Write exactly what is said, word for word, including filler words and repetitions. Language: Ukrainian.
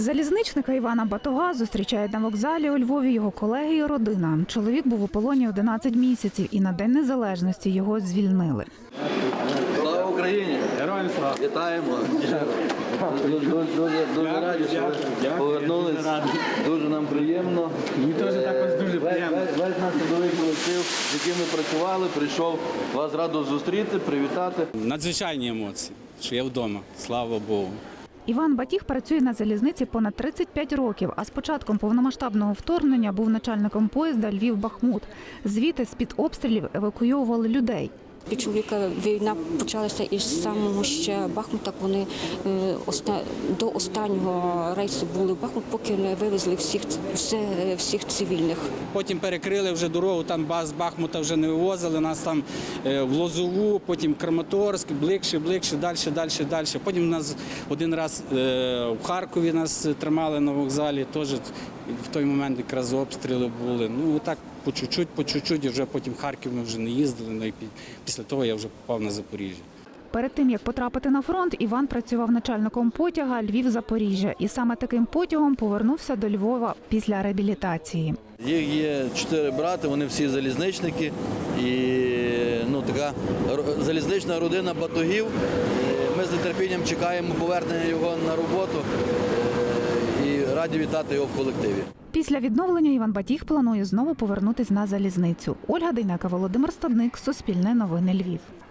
Залізничника Івана Батога зустрічають на вокзалі у Львові його колеги і родина. Чоловік був у полоні одинадцять місяців і на День Незалежності його звільнили. Слава Україні! Героям слава! Вітаємо! Дуже, дуже, дуже раді, що ви повернулися. Дуже нам приємно. Мені теж також дуже приємно. Весь, весь наш трудовий колектив, з яким ми працювали, прийшов вас радо зустріти, привітати. Надзвичайні емоції, що я вдома, слава Богу. Іван Батіг працює на залізниці понад тридцять п'ять років, а з початком повномасштабного вторгнення був начальником поїзда Львів-Бахмут. Звідти з-під обстрілів евакуйовували людей. У чоловіка війна почалася із самого ще Бахмута. Вони до останнього рейсу були в Бахмут, поки не вивезли всіх, всіх цивільних. Потім перекрили вже дорогу, там з Бахмута вже не вивозили, нас там в Лозову, потім Краматорськ, ближче, ближче, далі, далі, далі. Потім нас один раз в Харкові нас тримали на вокзалі, теж в той момент якраз обстріли були. Ну так по чуть-чуть, по чуть-чуть, і вже потім в Харків ми вже не їздили, ну, і після того я вже попав на Запоріжжя. Перед тим, як потрапити на фронт, Іван працював начальником потяга Львів-Запоріжжя. І саме таким потягом повернувся до Львова після реабілітації. Їх є чотири брати, вони всі залізничники. І ну, така залізнична родина Батогів. Ми з нетерпінням чекаємо повернення його на роботу і раді вітати його в колективі. Після відновлення Іван Батіг планує знову повернутися на залізницю. Ольга Дейнека, Володимир Стадник, Суспільне новини Львів.